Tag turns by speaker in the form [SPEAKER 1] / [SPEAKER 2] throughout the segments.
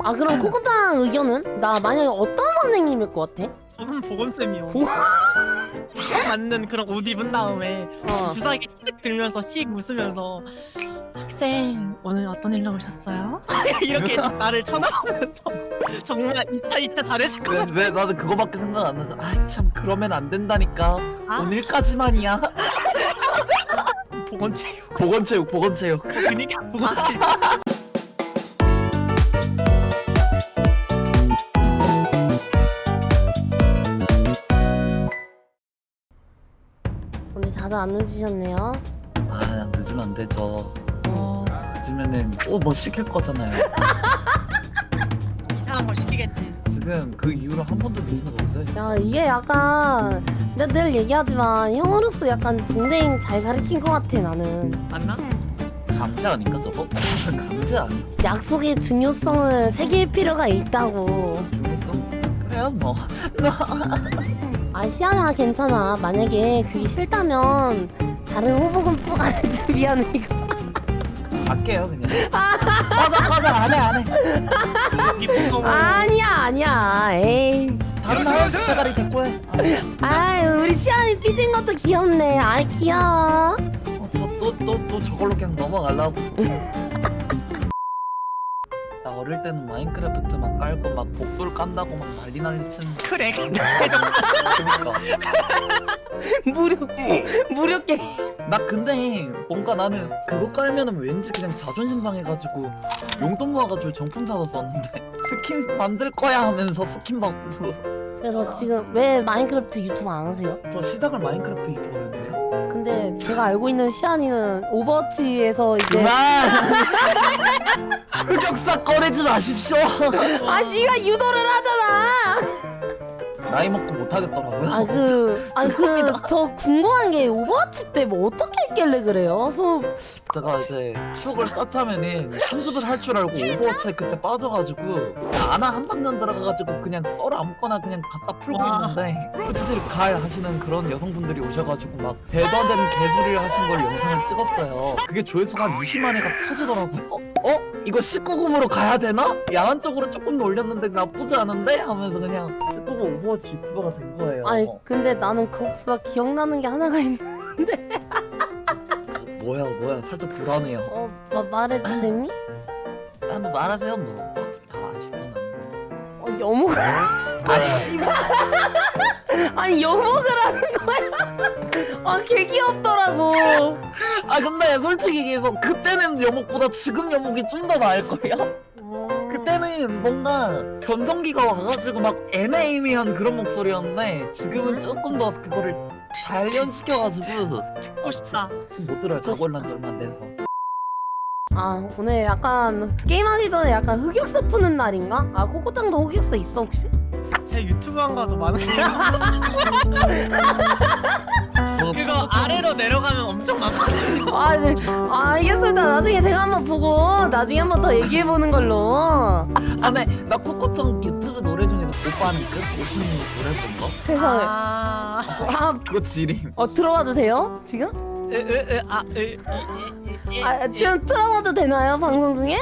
[SPEAKER 1] 아 그럼 코코탕 의견은? 나 만약에 어떤 선생님일 것 같아?
[SPEAKER 2] 저는 보건쌤이요. 딱 맞는 그런 옷 입은 다음에 주사기 씩 들면서 씩 웃으면서 학생 오늘 어떤 일로 오셨어요? 이렇게 나를 쳐다보면서 정말 2차 잘했을 것 같아.
[SPEAKER 3] 왜 나는 그거밖에 생각 안 나서 참 그러면 안 된다니까.
[SPEAKER 2] 아?
[SPEAKER 3] 오늘까지만이야.
[SPEAKER 2] 보건체육.
[SPEAKER 3] 보건체육.
[SPEAKER 2] 그니까 보건체육.
[SPEAKER 1] 오늘 다들 안 늦으셨네요.
[SPEAKER 3] 아 늦으면 안 되죠. 늦으면은 또 뭐 시킬 거잖아요.
[SPEAKER 2] 이상한 거 시키겠지.
[SPEAKER 3] 지금 그 이후로 한 번도 늦은 적 없어요.
[SPEAKER 1] 야 이게 약간 내가 늘 얘기하지만 형으로서 약간 동생 잘 가르친 것 같아 나는.
[SPEAKER 2] 맞나?
[SPEAKER 3] 강제 아닌가 저거? 강제 아닌가?
[SPEAKER 1] 약속의 중요성을 새길 필요가 있다고.
[SPEAKER 3] 중요성? 그래요 뭐.
[SPEAKER 1] 아 시아야 괜찮아. 만약에 그게 싫다면 다른 호복은 미안해 이거.
[SPEAKER 3] 갈게요 그냥. 꺼져 안해.
[SPEAKER 2] 이 무서워.
[SPEAKER 1] 아니야 에이.
[SPEAKER 3] 다른 하얀 대가리 데리고 해.
[SPEAKER 1] 아유 우리 시아이 삐진 것도 귀엽네. 아이 귀여워.
[SPEAKER 3] 또 저걸로 그냥 넘어가려고. 나 어릴 때는 마인크래프트 막 깔고 막 복돌 깐다고 막 난리 치는.
[SPEAKER 2] 그래.
[SPEAKER 3] 그러니까.
[SPEAKER 1] 무료 게임.
[SPEAKER 3] 나 근데 뭔가 나는 그거 깔면은 왠지 그냥 자존심 상해가지고 용돈 모아가지고 정품 사서 썼는데 스킨 만들 거야 하면서 스킨 받고.
[SPEAKER 1] 그래서 지금 왜 마인크래프트 유튜브 안 하세요?
[SPEAKER 3] 저 시작을 마인크래프트 유튜버로 했는데요.
[SPEAKER 1] 근데 제가 알고 있는 시안이는 오버워치에서 이제
[SPEAKER 3] 그만! 흑역사 꺼내지 마십시오.
[SPEAKER 1] 아 네가 유도를 하잖아.
[SPEAKER 3] 나이 먹고 못하겠더라고요.
[SPEAKER 1] 저 궁금한 게 오버워치 때 뭐 어떻게 했길래 그래요?
[SPEAKER 3] 제가 이제 추억을 쌓자면은 편집을 할 줄 알고 오버워치에 그때 빠져가지고 아나 한방전 들어가가지고 그냥 썰 아무거나 그냥 갖다 풀고 있는데 솔직히 갈 하시는 그런 여성분들이 오셔가지고 막 대도 안 되는 개소리를 하신 걸 영상을 찍었어요. 그게 조회수가 한 20만 회가 터지더라고요. 이거 19금으로 가야 되나? 야한 쪽으로 조금 올렸는데 나쁘지 않은데? 하면서 그냥 19금 오버워치 유튜버가 된 거예요.
[SPEAKER 1] 아니 근데 나는 그것보다 기억나는 게 하나가 있는데
[SPEAKER 3] 뭐야 살짝 불안해요.
[SPEAKER 1] 말해도 되니?
[SPEAKER 3] 한번 말하세요 뭐. 어차피 다 아시구나.
[SPEAKER 1] 여목 아니 여목을 하는 거야? 개 귀엽더라고.
[SPEAKER 3] 근데 솔직히 얘기해서 그때는 여목보다 지금 여목이 좀 더 나을걸요? 그때는 뭔가 변성기가 와가지고 막 애매애매한 그런 목소리였는데 지금은 조금 더 그거를 단련시켜가지고
[SPEAKER 2] 듣고 싶다.
[SPEAKER 3] 지금 못 들어요. 자고 일어난 지 얼마 안 돼서.
[SPEAKER 1] 오늘 약간 게임하기 전에 약간 흑역사 푸는 날인가? 코코탕도 흑역사 있어 혹시?
[SPEAKER 2] 제 유튜브 한 거도 많은데요. 그거 아래로 내려가면 엄청 많거든요.
[SPEAKER 1] 네. 알겠습니다. 나중에 제가 한번 보고 나중에 한번 더 얘기해보는 걸로.
[SPEAKER 3] 네. 나 코코탕 유튜브 노래 중에서 오빠는 끝? 오프닝 노래 본 거?
[SPEAKER 1] 세상에.
[SPEAKER 3] 그거 지림.
[SPEAKER 1] 들어봐도 돼요? 지금? 지금 틀어봐도 되나요? 방송 중에?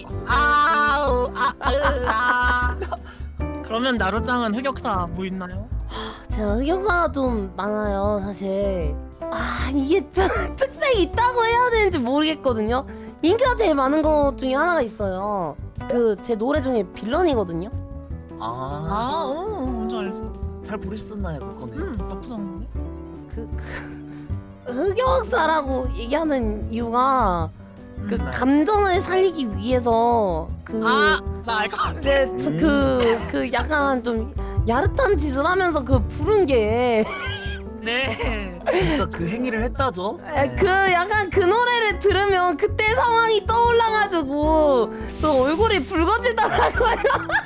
[SPEAKER 2] 그러면 나루짱은 흑역사 뭐 있나요?
[SPEAKER 1] 제가 흑역사가 좀 많아요 사실. 이게 특색이 있다고 해야 되는지 모르겠거든요. 인기가 제일 많은 것 중에 하나가 있어요. 제 노래 중에 빌런이거든요.
[SPEAKER 2] 뭔지 알지.
[SPEAKER 3] 잘 부르셨나요 그거는?
[SPEAKER 2] 나쁘지 않은데?
[SPEAKER 1] 흑역사라고 얘기하는 이유가 감정을 살리기 위해서
[SPEAKER 2] 나 알 것 같아.
[SPEAKER 1] 약간 좀 야릇한 짓을 하면서 부른 게
[SPEAKER 2] 네.
[SPEAKER 3] 진짜 그 행위를 했다죠?
[SPEAKER 1] 약간 그 노래를 들으면 그때 상황이 떠올라가지고 또 얼굴이 붉어지더라고요.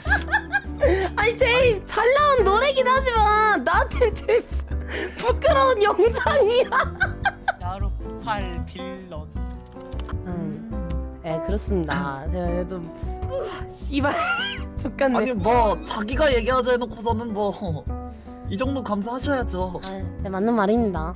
[SPEAKER 1] 제일 잘 나온 노래긴 하지만 나한테 제일 부끄러운 영상이야.
[SPEAKER 2] 야루 98 빌런.
[SPEAKER 1] 그렇습니다. 제가 좀 씨발 족같네.
[SPEAKER 3] 아니 뭐 자기가 얘기하자 해놓고서는 뭐 이 정도 감사하셔야죠.
[SPEAKER 1] 네, 맞는 말입니다.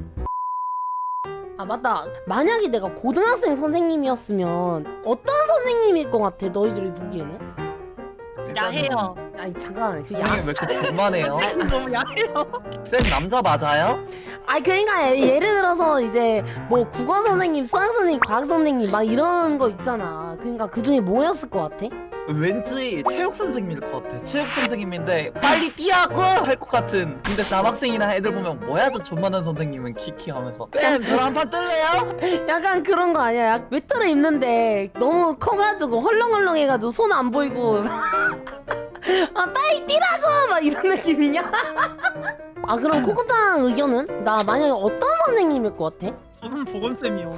[SPEAKER 1] 맞다. 만약에 내가 고등학생 선생님이었으면 어떤 선생님일 것 같아? 너희들이 보기에는?
[SPEAKER 2] 야해요.
[SPEAKER 1] 아니 잠깐 그
[SPEAKER 3] 선생님 왜 이렇게 불만해요?
[SPEAKER 2] 너무 야해요.
[SPEAKER 3] 쌤 남자 맞아요?
[SPEAKER 1] 아니 그러니까 예를 들어서 이제 뭐 국어 선생님, 수학 선생님, 과학 선생님 막 이런 거 있잖아. 그러니까 그 중에 뭐였을 것 같아?
[SPEAKER 3] 왠지 체육 선생님일 것 같아. 체육 선생님인데 빨리 뛰라고 할 것 같은. 근데 남학생이나 애들 보면 뭐야 저 존만한 선생님은 키키 하면서 쌤 저랑 한판 뜰래요?
[SPEAKER 1] 약간 그런 거 아니야? 외투를 입는데 너무 커가지고 헐렁헐렁해가지고 손 안 보이고 아 빨리 뛰라고 막 이런 느낌이냐? 아 그럼 코코짱 의견은? 나 만약에 어떤 선생님일 것 같아?
[SPEAKER 2] 저는 보건쌤이요.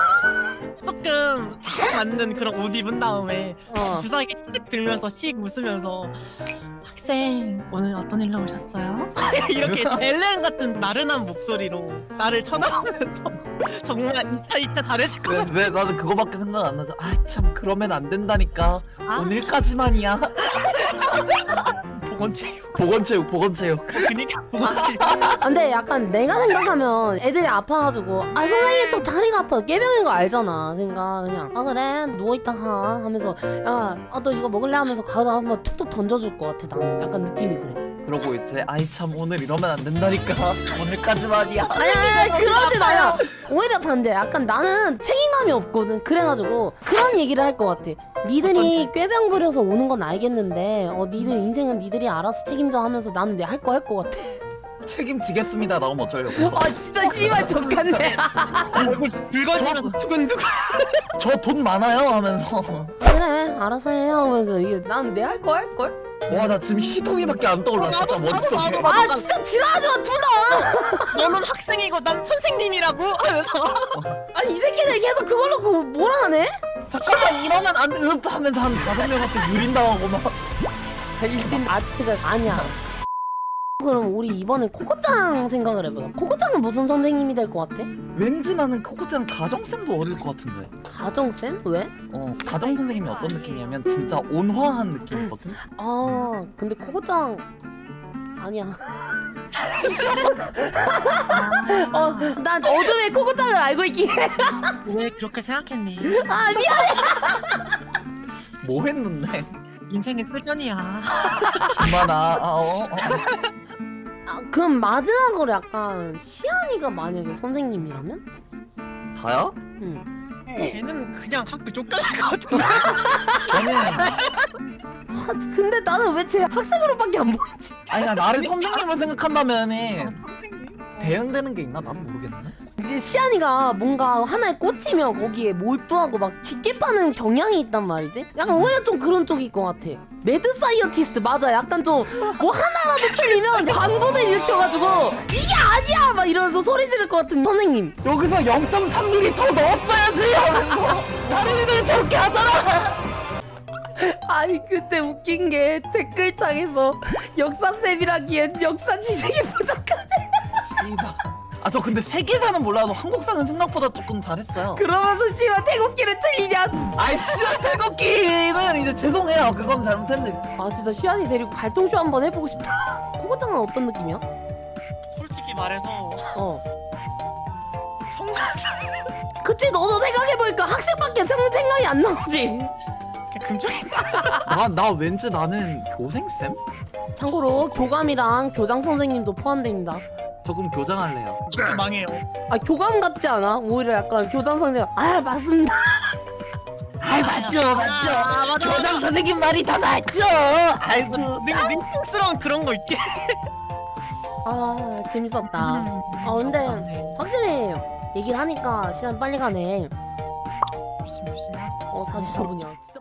[SPEAKER 2] 조금 딱 맞는 그런 옷 입은 다음에 주사기 씩 들면서 씩 웃으면서 학생 오늘 어떤 일로 오셨어요? 이렇게 엘렌 같은 나른한 목소리로 나를 쳐다보면서 정말 이차 잘했을 것 같아.
[SPEAKER 3] 왜 나는 그거밖에 생각 안 나죠. 아 참 그러면 안 된다니까.
[SPEAKER 2] 아?
[SPEAKER 3] 오늘까지만이야.
[SPEAKER 2] 보건체육.
[SPEAKER 3] 보건체육.
[SPEAKER 2] 그니까 보건체육.
[SPEAKER 1] 아, 근데 약간 내가 생각하면 애들이 아파가지고 아 선생님 저 다리가 아파 깨병인 거 알잖아. 그러니까 그냥 아 그래 누워있다가 하면서 야너 이거 먹을래 하면서 가다 한번 툭툭 던져줄 것 같아. 나는 약간 느낌이 그래.
[SPEAKER 3] 그러고 이제 아이 참 오늘 이러면 안 된다니까. 오늘까지만이야.
[SPEAKER 1] 아니야 그러진 않아. 오히려 반대. 약간 나는 책임감이 없거든. 그래가지고 그런 얘기를 할 것 같아. 니들이 꾀병 부려서 오는 건 알겠는데 니들 인생은 니들이 알아서 책임져 하면서 나는 내 할 거 할 것 같아.
[SPEAKER 3] 책임지겠습니다. 나오면 어쩌려고.
[SPEAKER 1] 아 진짜 씨발 족같네.
[SPEAKER 2] 얼굴 붉어지면 두근두근.
[SPEAKER 3] 저 돈 많아요 하면서.
[SPEAKER 1] 그래 알아서 해요 하면서 이게 난 내 할 거 할 걸.
[SPEAKER 3] 와 나 지금 희동이밖에 안 떠올라. 진짜 머릿속에.
[SPEAKER 1] 아 진짜 지랄하지 마 둘 다.
[SPEAKER 2] 너는 학생이고 난 선생님이라고 하면서
[SPEAKER 1] 아니 이 새끼들 계속 그걸 놓고 뭐라 하네?
[SPEAKER 3] 잠깐만 이러면 안 돼. 하면서 한 5명한테 유린당하고 막.
[SPEAKER 1] 일진 아지트가 아니야. 그럼 우리 이번에 코코짱 생각을 해보자. 코코짱은 무슨 선생님이 될 것 같아?
[SPEAKER 3] 왠지 나는 코코짱 가정쌤도 어릴 것 같은데.
[SPEAKER 1] 가정쌤? 왜?
[SPEAKER 3] 가정 선생님이 어떤 느낌이냐면 진짜 온화한 느낌이거든.
[SPEAKER 1] 아 근데 코코짱 아니야. 난 어둠의 코코짱을 알고 있기에.
[SPEAKER 2] 왜 그렇게 생각했니?
[SPEAKER 1] 아 미안.
[SPEAKER 3] 뭐 했는데?
[SPEAKER 2] 인생은 쏠전이야.
[SPEAKER 3] 그만아.
[SPEAKER 1] 그럼 마지막으로 약간 시안이가 만약에 선생님이라면?
[SPEAKER 3] 다야?
[SPEAKER 1] 응.
[SPEAKER 2] 쟤는 그냥 학교 쫓겨날 것 같은데.
[SPEAKER 3] 저는
[SPEAKER 1] 아, 근데 나는 왜 제 학생으로밖에 안 보이지?
[SPEAKER 3] 아니 나 나를 선생님을 생각한다면은 대응되는 게 있나? 나도 모르겠네.
[SPEAKER 1] 이제 시안이가 뭔가 하나에 꽂히면 거기에 몰두하고 막 깊게 파는 경향이 있단 말이지? 약간 오히려 좀 그런 쪽일 것 같아. 매드 사이언티스트 맞아. 약간 좀 뭐 하나라도 틀리면 광분을 일으켜가지고 이게 아니야 막 이러면서 소리 지를 것 같은 선생님.
[SPEAKER 3] 여기서 0.3mm 더 넣었어야지 하면서 다른 애들 저렇게 하잖아.
[SPEAKER 1] 아니 그때 웃긴 게 댓글창에서 역사쌤이라기엔 역사 지식이 부족하네.
[SPEAKER 3] 씨발. 저 근데 세계사는 몰라도 한국사는 생각보다 조금 잘했어요.
[SPEAKER 1] 그러면서 씨발 태국기를 틀리냐?
[SPEAKER 3] 아이 씨발 태극기는 이제 죄송해요. 그건 잘못했는데.
[SPEAKER 1] 아 진짜 시안이 데리고 갈통쇼 한번 해보고 싶다. 코코짱은 어떤 느낌이야?
[SPEAKER 2] 솔직히 말해서
[SPEAKER 1] 그치 너도 생각해보니까 학생밖에 생각이 안 나오지.
[SPEAKER 2] 그냥 금쪽이
[SPEAKER 3] 나 왠지 나는 교생쌤?
[SPEAKER 1] 참고로 교감이랑 교장 선생님도 포함됩니다.
[SPEAKER 3] 저 그럼 교장할래요.
[SPEAKER 2] 진짜 망해요.
[SPEAKER 1] 아 교감 같지 않아? 오히려 약간 교장 선생님 아 맞습니다.
[SPEAKER 3] 아이 맞죠.
[SPEAKER 2] 맞아.
[SPEAKER 3] 교장 선생님 말이 다 맞죠. 아이고.
[SPEAKER 2] 능력스러운 그런 거 있긴.
[SPEAKER 1] 아 재밌었다. 아 근데 확실히 얘기를 하니까 시간 빨리 가네.
[SPEAKER 2] 지금 몇 시냐?
[SPEAKER 1] 44분이야.